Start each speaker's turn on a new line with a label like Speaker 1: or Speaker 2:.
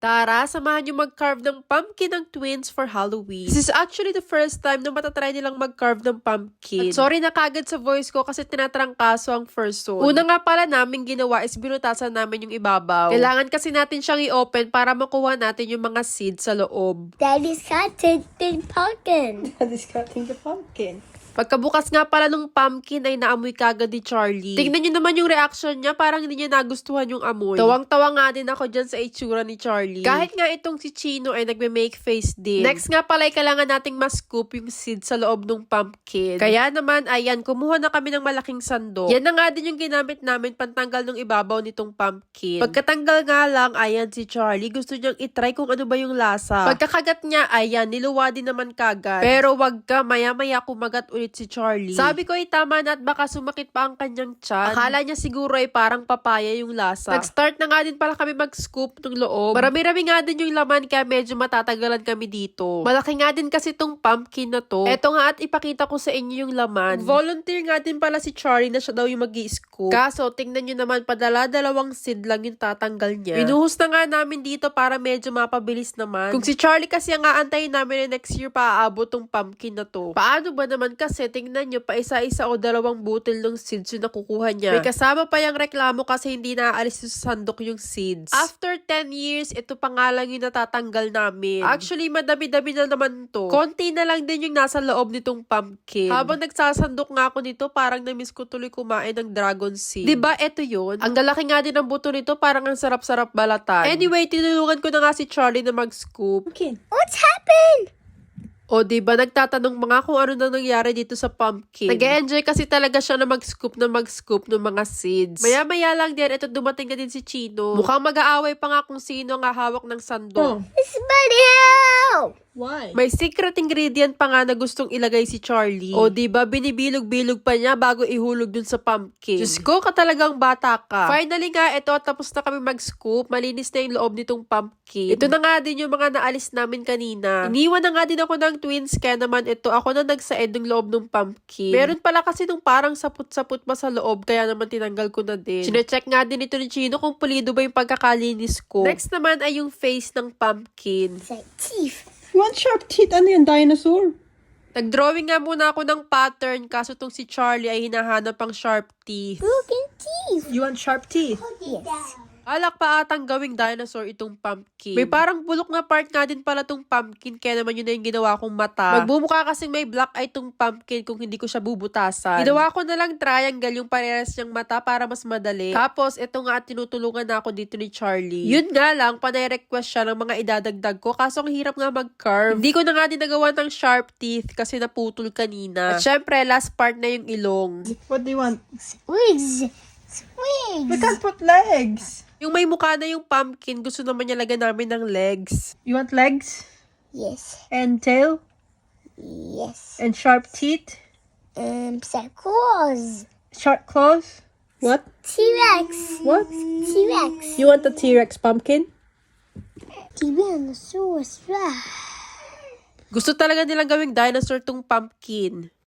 Speaker 1: Tara, samahan niyo mag-carve ng pumpkin ng twins for Halloween. This is actually the first time na matatry nilang mag-carve ng pumpkin. At sorry na kagad sa voice ko kasi tinatrangkaso ang first one. Una nga pala namin ginawa is binutasan namin yung ibabaw. Kailangan kasi natin siyang i-open para makuha natin yung mga seeds sa loob.
Speaker 2: Daddy's cutting the pumpkin.
Speaker 3: Daddy's cutting the pumpkin.
Speaker 1: Pagkabukas nga pala nung pumpkin ay naamoy kagad ni Charlie. Tingnan nyo naman yung reaction niya, parang hindi niya nagustuhan yung amoy. Tawang-tawa nga din ako dyan sa itsura ni Charlie. Kahit nga itong si Chino ay nagme-make face din. Next nga pala ay kailangan nating ma-scoop yung seed sa loob ng pumpkin. Kaya naman, ayan, kumuha na kami ng malaking sandok. Yan na nga din yung ginamit namin pantanggal ng ibabaw nitong pumpkin. Pagkatanggal nga lang, ayan si Charlie, gusto niyang itry kung ano ba yung lasa. Pagkakagat niya, ayan, niluwa din naman kagad. Pero wag ka, maya-maya kumagat ulit si Charlie. Sabi ko ay tama na at baka sumakit pa ang kanyang tiyan. Akala niya siguro ay parang papaya yung lasa. Nag-start na nga din pala kami mag-scoop ng loob. Marami-rami nga din yung laman kaya medyo matatagalan kami dito. Malaki nga din kasi tong pumpkin na to. Eto nga at ipakita ko sa inyo yung laman. Volunteer nga din pala si Charlie na siya daw yung mag-i-scoop. Kaso tingnan nyo naman padala-dalawang seed lang yung tatanggal niya. Binuhos na nga namin dito para medyo mapabilis naman. Kung si Charlie kasi ang aantayin namin na next year pa aabot tong pumpkin na to. Paano ba naman kasi tingnan nyo pa isa-isa o dalawang butil ng seeds yung nakukuha niya. May kasama pa yung reklamo kasi hindi naaalis sa sandok yung seeds. After 10 years, ito pa nga lang yung natatanggal namin. Actually, madami-dami na naman to. Konti na lang din yung nasa loob nitong pumpkin. Habang nagsasandok nga ako nito, parang namiss ko tuloy kumain ng dragon seed. Diba, eto yun? Ang lalaki nga din ng buto nito, parang ang sarap-sarap balatan. Anyway, tinulungan ko na nga si Charlie na mag-scoop.
Speaker 3: Pumpkin.
Speaker 2: What's happened?
Speaker 1: O diba, nagtatanong mga kung ano na nangyari dito sa pumpkin. Nag-enjoy kasi talaga siya na mag-scoop ng mga seeds. Maya-maya lang din, ito dumating na din si Chino. Mukhang mag-aaway pa nga kung sino ang hawak ng sandok.
Speaker 2: It's Buddy help!
Speaker 3: Why?
Speaker 1: May secret ingredient pa nga na gustong ilagay si Charlie. O diba, binibilog-bilog pa niya bago ihulog dun sa pumpkin. Diyos ko, katalagang bata ka. Finally nga, ito, tapos na kami mag-scoop. Malinis na yung loob nitong pumpkin. Ito na nga din yung mga naalis namin kanina. Iniwan na nga din ako ng twins, kaya naman ito, ako na nagsaed ng loob ng pumpkin. Meron pala kasi nung parang saput-saput pa sa loob, kaya naman tinanggal ko na din. Sinecheck nga din ito ni Chino kung pulido ba yung pagkakalinis ko. Next naman ay yung face ng pumpkin.
Speaker 2: It's like teeth.
Speaker 3: You want sharp teeth? Ano yan? Dinosaur?
Speaker 1: Nag-drawing nga muna ako ng pattern, kaso tong si Charlie ay hinahanap ang sharp teeth.
Speaker 2: Broken teeth.
Speaker 3: You want sharp teeth?
Speaker 2: Yes.
Speaker 1: Alak pa atang gawing dinosaur itong pumpkin. May parang bulok na part nga din pala tong pumpkin, kaya naman yun na yung ginawa kong mata. Magbumukha kasing may black eye tong pumpkin kung hindi ko siya bubutasan. Ginawa ko na lang triangle yung parehas niyang mata para mas madali. Tapos, ito nga at tinutulungan na ako dito ni Charlie. Yun nga lang, panay-request siya ng mga idadagdag ko, kaso ang hirap nga mag-carve. Hindi ko na nga din nagawa ng sharp teeth kasi naputol kanina. At syempre, last part na yung ilong.
Speaker 3: What do you want?
Speaker 2: Wigs.
Speaker 3: We
Speaker 2: Wigs.
Speaker 3: can't put legs.
Speaker 1: Yung may mukha na yung pumpkin, gusto naman niya lagyan namin ng legs.
Speaker 3: You want legs?
Speaker 2: Yes.
Speaker 3: And tail?
Speaker 2: Yes.
Speaker 3: And sharp teeth?
Speaker 2: Claws.
Speaker 3: Sharp claws? What?
Speaker 2: T-Rex.
Speaker 3: What?
Speaker 2: T-Rex.
Speaker 3: You want the T-Rex pumpkin?
Speaker 2: Tyrannosaurus Rex.
Speaker 1: Gusto talaga nilang gawing dinosaur tong pumpkin.